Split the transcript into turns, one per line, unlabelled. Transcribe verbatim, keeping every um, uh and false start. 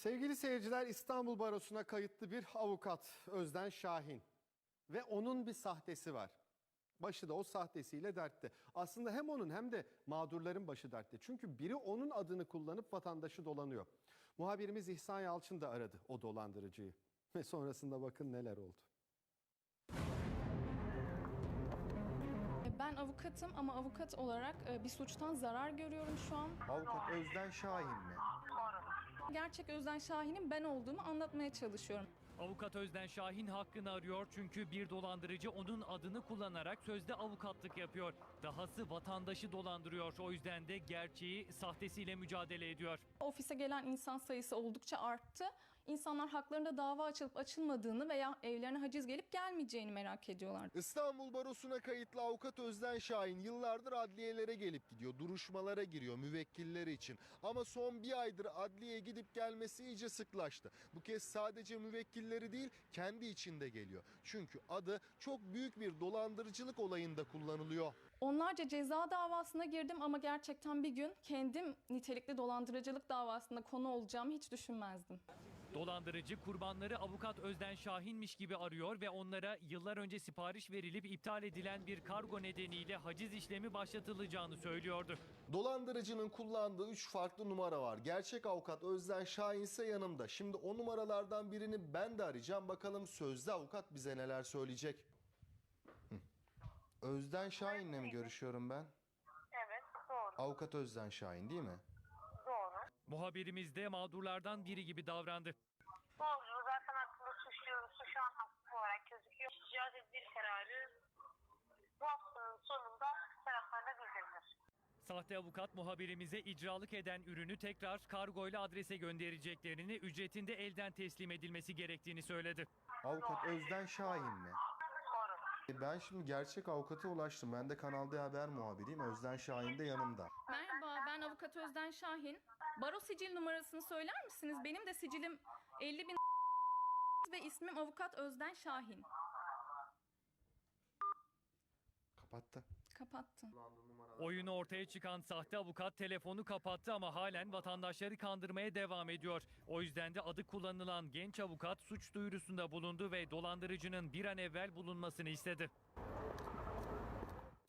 Sevgili seyirciler, İstanbul Barosu'na kayıtlı bir avukat Özden Şahin ve onun bir sahtesi var. Başı da o sahtesiyle dertte. Aslında hem onun hem de mağdurların başı dertte. Çünkü biri onun adını kullanıp vatandaşı dolanıyor. Muhabirimiz İhsan Yalçın da aradı o dolandırıcıyı. Ve sonrasında bakın neler oldu.
Ben avukatım ama avukat olarak bir suçtan zarar görüyorum şu an.
Avukat Özden Şahin mi?
Gerçek Özden Şahin'in ben olduğumu anlatmaya çalışıyorum.
Avukat Özden Şahin hakkını arıyor çünkü bir dolandırıcı onun adını kullanarak sözde avukatlık yapıyor. Dahası vatandaşı dolandırıyor. O yüzden de gerçeği sahtesiyle mücadele ediyor.
Ofise gelen insan sayısı oldukça arttı. İnsanlar haklarında dava açılıp açılmadığını veya evlerine haciz gelip gelmeyeceğini merak ediyorlar.
İstanbul Barosu'na kayıtlı avukat Özden Şahin yıllardır adliyelere gelip gidiyor. Duruşmalara giriyor müvekkilleri için. Ama son bir aydır adliyeye gidip gelmesi iyice sıklaştı. Bu kez sadece müvekkilleri değil kendi içinde geliyor. Çünkü adı çok büyük bir dolandırıcılık olayında kullanılıyor.
Onlarca ceza davasına girdim ama gerçekten bir gün kendim nitelikli dolandırıcılık davasında konu olacağımı hiç düşünmezdim.
Dolandırıcı kurbanları avukat Özden Şahin'miş gibi arıyor ve onlara yıllar önce sipariş verilip iptal edilen bir kargo nedeniyle haciz işlemi başlatılacağını söylüyordu.
Dolandırıcının kullandığı üç farklı numara var. Gerçek avukat Özden Şahin ise yanımda. Şimdi o numaralardan birini ben de arayacağım. Bakalım sözde avukat bize neler söyleyecek. Hı. Özden Şahin'le mi görüşüyorum ben?
Evet, doğru.
Avukat Özden Şahin değil mi?
Doğru.
Muhabirimiz de mağdurlardan biri gibi davrandı.
Doğru. Zaten hakkında suçlu, suçlu an hakkı olarak gözüküyor. İcra tedbir kararı bu haftanın sonunda taraflarına bildirilir.
Sahte avukat muhabirimize icralık eden ürünü tekrar kargoyla adrese göndereceklerini, ücretinde elden teslim edilmesi gerektiğini söyledi.
Avukat Özden Şahin mi?
Doğru.
Ben şimdi gerçek avukata ulaştım. Ben de Kanal D Haber muhabiriyim. Özden Şahin de yanımda.
Merhaba, ben avukat Özden Şahin. Baro sicil numarasını söyler misiniz? Benim de sicilim elli bin ve ismim avukat Özden Şahin.
Kapattı.
Kapattı.
Oyunu ortaya çıkan sahte avukat telefonu kapattı ama halen vatandaşları kandırmaya devam ediyor. O yüzden de adı kullanılan genç avukat suç duyurusunda bulundu ve dolandırıcının bir an evvel bulunmasını istedi.